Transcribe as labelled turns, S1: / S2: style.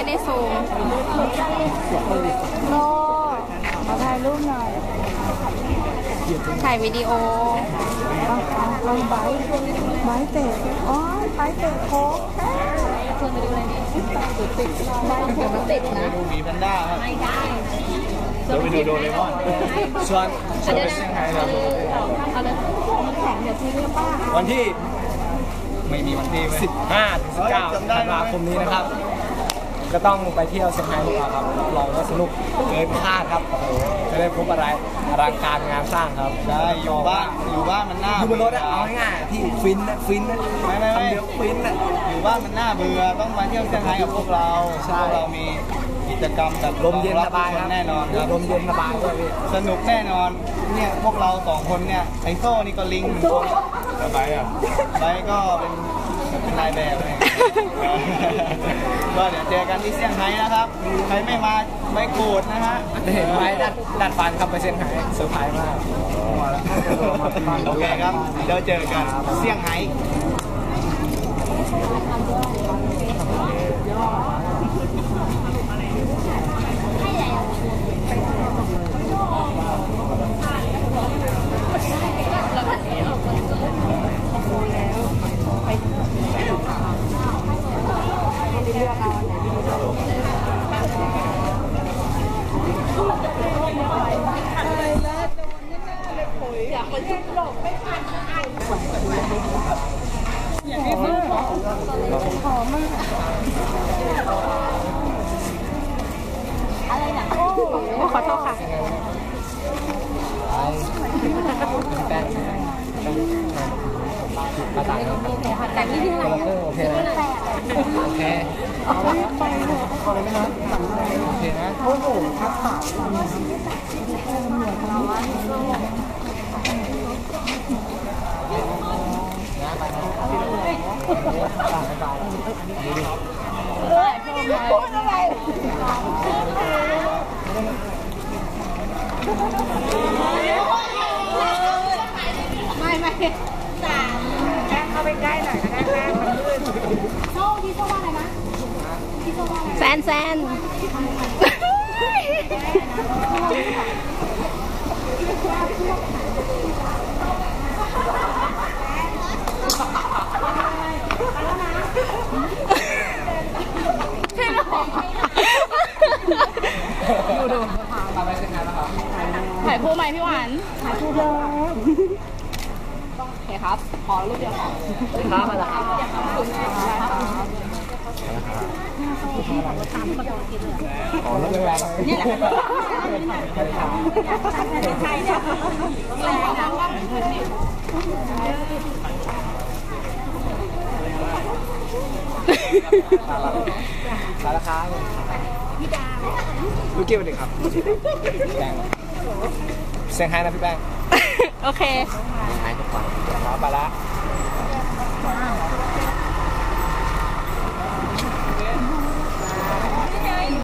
S1: ได้ซูม
S2: โลมาถ่ายรูปหน่อย
S1: ถ่ายวิดีโอ
S2: ไม้เตะอ๋อไม้เตะโค้ก
S1: ชวนไปดูอะไรนี่ไม้โค้กติดนะ
S3: ดูหมีแพนด้าครับ
S1: ไม่ได้
S3: เราไปดูโดเรมอนชวนไปเซี่ยงไฮ้ครับวันที่ไม่มีวันที่15 ถึง 19 ธันวาคมนี้นะครับก็ต้องไปเที่ยวเซี่ยงไฮ้ดีกว่าครับรับรองว่าสนุกเกินคาดครับโอ้โหจะได้พบอะไรอลังการงานสร้างครับใช่อยู่บ้านมันน่าอยู่บนรถเอาง่ายๆที่ฟินนะไม่คำเดียวฟินนะอยู่บ้านมันน่าเบื่อต้องมาเที่ยวเซี่ยงไฮ้กับพวกเราพวกเรามีกิจกรรมแบบลมเย็นสบายแน่นอนครับลมเย็นสบายด้วยสนุกแน่นอนเนี่ยพวกเรา2 คนเนี่ยไอโซ่นี่ก็ลิงสบายอ่ะไปก็เป็นนายแบบเลยก็เดี๋ยวเจอกันที่เซี่ยงไฮ้นะครับใครไม่มาไม่โกรธนะฮะเห็นไหมดัดฟันครับไปเซี่ยงไฮ้เซอร์ไพรส์มากโอเคครับเดี๋ยวเจอกันเซี่ยงไฮ้
S1: อะไรนะโอ้ขอโทษค่ะ
S3: ภาษา
S1: แต่ที่ที่ไหน
S3: โอเคนะโอเคไปเลยขอเลยไหมนะโอเคนะโอ้โหทักษะ
S2: พูดอะไรไม่แค่เข้าไปใกล้หน่อยนะแม่มันลื่น
S1: โซ่ที่โซ่ว่าอะไรนะที่โซ่ว่าอะไรแซนดูถ่ายคู่ไหมพี่หวานถ่ายคู่เลยโอเคครับขอรูปเดียวครับมาแล้วครับ
S3: ขอแล้วแรงนี่แหละ
S1: ใช่เนี่ยแรงนะ
S3: สารค้า
S1: พี่ดาว
S3: ลูกเกี่ยวเด็กครับแป้งเซี่ยงไฮ้นะพี่แป้ง
S1: โอเค
S3: หายทุกวันไปละ